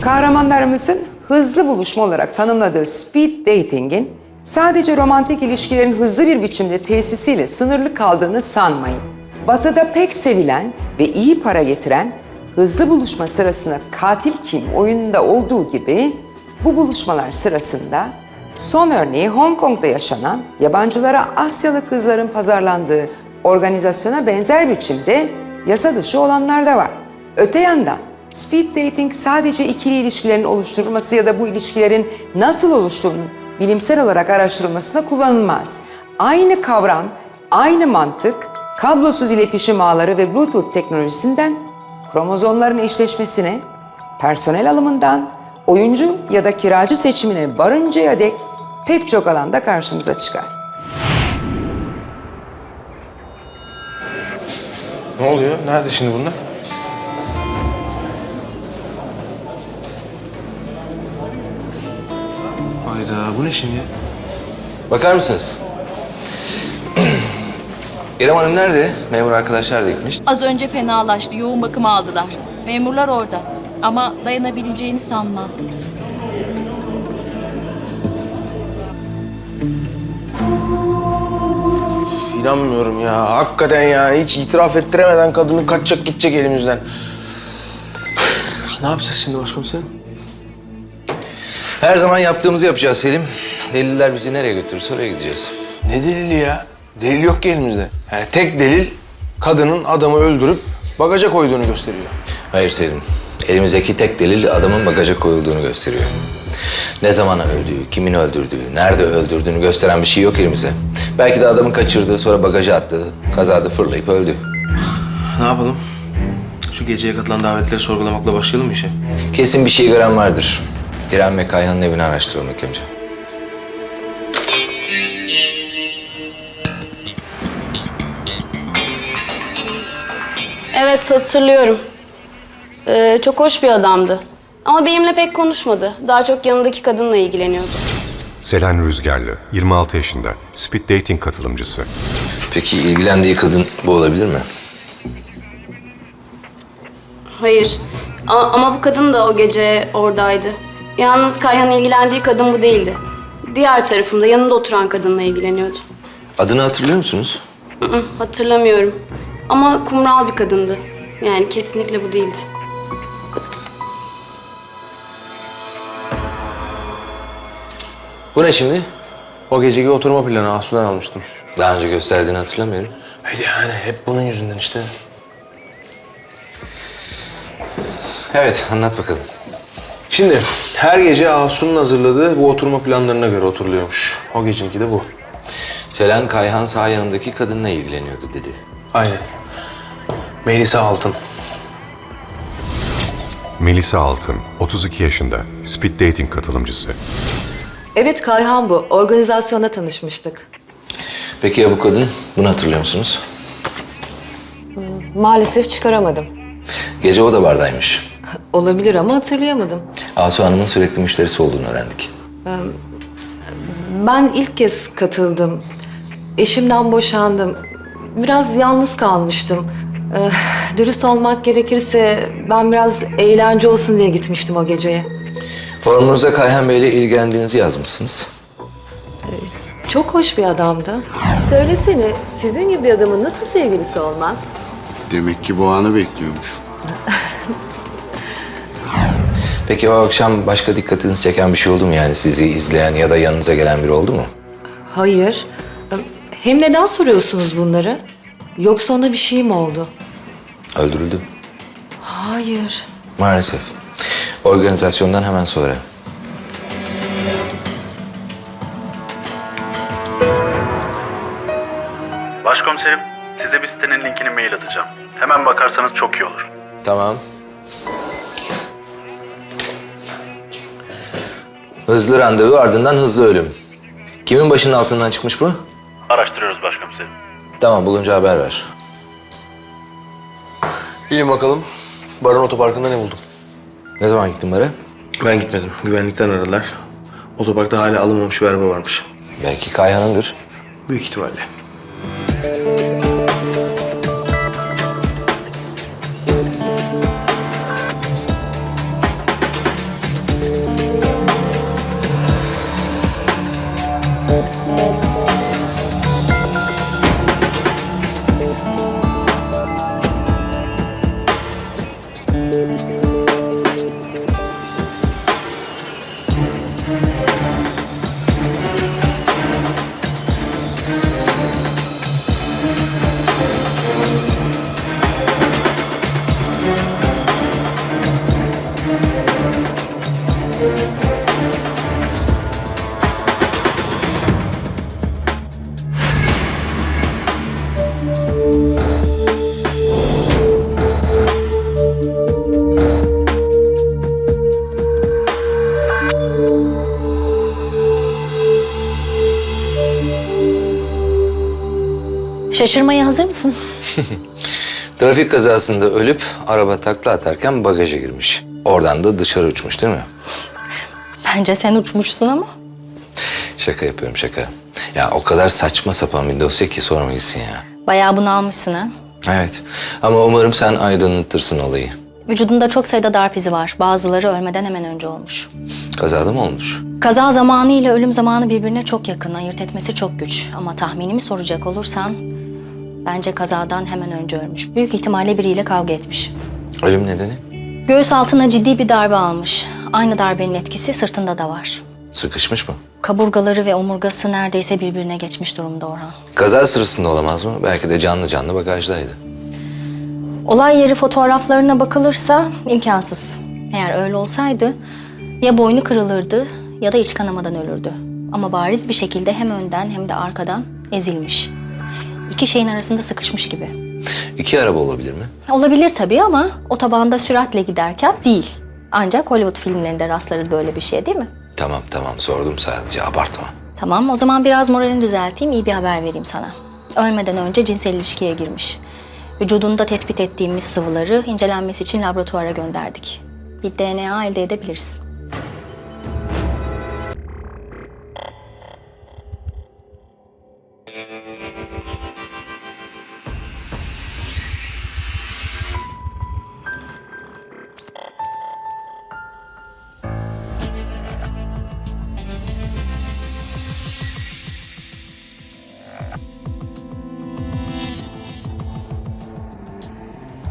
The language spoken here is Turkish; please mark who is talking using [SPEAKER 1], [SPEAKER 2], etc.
[SPEAKER 1] Kahramanlarımızın hızlı buluşma olarak tanımladığı speed dating'in sadece romantik ilişkilerin hızlı bir biçimde tesisiyle sınırlı kaldığını sanmayın. Batı'da pek sevilen ve iyi para getiren hızlı buluşma sırasında katil kim oyununda olduğu gibi bu buluşmalar sırasında son örneği Hong Kong'da yaşanan yabancılara Asyalı kızların pazarlandığı organizasyona benzer biçimde yasa dışı olanlar da var. Öte yandan speed dating sadece ikili ilişkilerin oluşturulması ya da bu ilişkilerin nasıl oluştuğunun bilimsel olarak araştırılmasına kullanılmaz. Aynı kavram, aynı mantık, kablosuz iletişim ağları ve Bluetooth teknolojisinden kromozomların eşleşmesine, personel alımından oyuncu ya da kiracı seçimine varıncaya dek pek çok alanda karşımıza çıkar.
[SPEAKER 2] Ne oluyor? Nerede şimdi bunlar? Hayda, bu ne şimdi?
[SPEAKER 3] Bakar mısınız? İrem Hanım nerede? Memur arkadaşlar da gitmiş.
[SPEAKER 4] Az önce fenalaştı. Yoğun bakıma aldılar. Memurlar orada. Ama dayanabileceğini sanmam.
[SPEAKER 2] İnanmıyorum ya. Hakikaten ya. Hiç itiraf ettiremeden kadını kaçacak gidecek elimizden. Ne yapacağız şimdi başkomiserim?
[SPEAKER 3] Her zaman yaptığımızı yapacağız Selim. Deliller bizi nereye götürürse oraya gideceğiz.
[SPEAKER 2] Ne delili ya? Delil yok ki elimizde. Yani tek delil kadının adamı öldürüp bagaja koyduğunu gösteriyor.
[SPEAKER 3] Hayır Selim. Elimizdeki tek delil adamın bagaja koyulduğunu gösteriyor. Ne zaman öldüğü, kimin öldürdüğü, nerede öldürdüğünü gösteren bir şey yok elimizde. Belki de adamın kaçırdığı, sonra bagaja attığı, kazada fırlayıp öldü.
[SPEAKER 2] Ne yapalım? Şu geceye katılan davetleri sorgulamakla başlayalım mı işe?
[SPEAKER 3] Kesin bir şey gören vardır. İrem ve Kayhan'ın evini araştıralım ilk önce.
[SPEAKER 5] Evet, hatırlıyorum. Çok hoş bir adamdı. Ama benimle pek konuşmadı. Daha çok yanındaki kadınla ilgileniyordu.
[SPEAKER 6] Selen Rüzgarlı, 26 yaşında, speed dating katılımcısı.
[SPEAKER 3] Peki ilgilendiği kadın bu olabilir mi?
[SPEAKER 5] Hayır. Ama bu kadın da o gece oradaydı. Yalnız Kayhan'ın ilgilendiği kadın bu değildi. Diğer tarafımda yanında oturan kadınla ilgileniyordu.
[SPEAKER 3] Adını hatırlıyor musunuz?
[SPEAKER 5] Hatırlamıyorum. Ama kumral bir kadındı. Yani kesinlikle bu değildi.
[SPEAKER 3] Bu ne şimdi?
[SPEAKER 2] O geceki oturma planı Asu'dan almıştım.
[SPEAKER 3] Daha önce gösterdiğini hatırlamıyorum.
[SPEAKER 2] Hadi yani hep bunun yüzünden işte.
[SPEAKER 3] Evet, anlat bakalım.
[SPEAKER 2] Şimdi her gece Asu'nun hazırladığı bu oturma planlarına göre oturuluyormuş. O gecinki de bu.
[SPEAKER 3] Selen Kayhan sağ yanımdaki kadınla ilgileniyordu dedi.
[SPEAKER 2] Aynen. Melisa Altın.
[SPEAKER 6] Melisa Altın, 32 yaşında, speed dating katılımcısı.
[SPEAKER 7] Evet Kayhan bu. Organizasyonda tanışmıştık.
[SPEAKER 3] Peki ya bu kadın? Bunu hatırlıyor musunuz?
[SPEAKER 7] Maalesef çıkaramadım.
[SPEAKER 3] Gece o da bardaymış.
[SPEAKER 7] Olabilir ama hatırlayamadım.
[SPEAKER 3] Asu Hanım'ın sürekli müşterisi olduğunu öğrendik.
[SPEAKER 7] Ben ilk kez katıldım. Eşimden boşandım. Biraz yalnız kalmıştım. Dürüst olmak gerekirse ben biraz eğlence olsun diye gitmiştim o geceye.
[SPEAKER 3] Forumunuza Kayhan Bey'le ilgilendiğinizi yazmışsınız.
[SPEAKER 7] Çok hoş bir adamdı. Söylesene, sizin gibi bir adamın nasıl sevgilisi olmaz?
[SPEAKER 8] Demek ki bu anı bekliyormuş.
[SPEAKER 3] Peki o akşam başka dikkatinizi çeken bir şey oldu mu? Yani sizi izleyen ya da yanınıza gelen biri oldu mu?
[SPEAKER 7] Hayır. Hem neden soruyorsunuz bunları? Yoksa ona bir şey mi oldu?
[SPEAKER 3] Öldürüldü.
[SPEAKER 7] Hayır.
[SPEAKER 3] Maalesef. Organizasyondan hemen sonra.
[SPEAKER 9] Başkomiserim, size bir sitenin linkini mail atacağım. Hemen bakarsanız çok iyi olur.
[SPEAKER 3] Tamam. Hızlı randevu ardından hızlı ölüm. Kimin başının altından çıkmış bu?
[SPEAKER 9] Araştırıyoruz başkomiserim.
[SPEAKER 3] Tamam, bulunca haber ver.
[SPEAKER 2] Bilin bakalım. Baron Otoparkı'nda ne buldum?
[SPEAKER 3] Ne zaman gittin bara?
[SPEAKER 2] Ben gitmedim. Güvenlikten aradılar. Otoparkta hala alınmamış bir araba varmış.
[SPEAKER 3] Belki Kayhan'ındır.
[SPEAKER 2] Büyük ihtimalle.
[SPEAKER 10] Şaşırmaya hazır mısın?
[SPEAKER 3] Trafik kazasında ölüp araba takla atarken bagaja girmiş. Oradan da dışarı uçmuş değil mi?
[SPEAKER 10] Bence sen uçmuşsun ama.
[SPEAKER 3] Şaka yapıyorum şaka. Ya o kadar saçma sapan bir dosya ki sorma gitsin ya.
[SPEAKER 10] Bayağı bunalmışsın ha.
[SPEAKER 3] Evet ama umarım sen aydınlatırsın olayı.
[SPEAKER 10] Vücudunda çok sayıda darp izi var. Bazıları ölmeden hemen önce olmuş.
[SPEAKER 3] Kazada mı olmuş?
[SPEAKER 10] Kaza zamanı ile ölüm zamanı birbirine çok yakın. Ayırt etmesi çok güç. Ama tahminimi soracak olursan... Bence kazadan hemen önce ölmüş. Büyük ihtimalle biriyle kavga etmiş.
[SPEAKER 3] Ölüm nedeni?
[SPEAKER 10] Göğüs altına ciddi bir darbe almış. Aynı darbenin etkisi sırtında da var.
[SPEAKER 3] Sıkışmış mı?
[SPEAKER 10] Kaburgaları ve omurgası neredeyse birbirine geçmiş durumda Orhan.
[SPEAKER 3] Kaza sırasında olamaz mı? Belki de canlı canlı bagajdaydı.
[SPEAKER 10] Olay yeri fotoğraflarına bakılırsa imkansız. Eğer öyle olsaydı ya boynu kırılırdı ya da iç kanamadan ölürdü. Ama bariz bir şekilde hem önden hem de arkadan ezilmiş. İki şeyin arasında sıkışmış gibi.
[SPEAKER 3] İki araba olabilir mi?
[SPEAKER 10] Olabilir tabii ama otobanda süratle giderken değil. Ancak Hollywood filmlerinde rastlarız böyle bir şey değil mi?
[SPEAKER 3] Tamam sordum sadece abartma.
[SPEAKER 10] Tamam o zaman biraz moralini düzelteyim, iyi bir haber vereyim sana. Ölmeden önce cinsel ilişkiye girmiş. Vücudunda tespit ettiğimiz sıvıları incelenmesi için laboratuvara gönderdik. Bir DNA elde edebiliriz.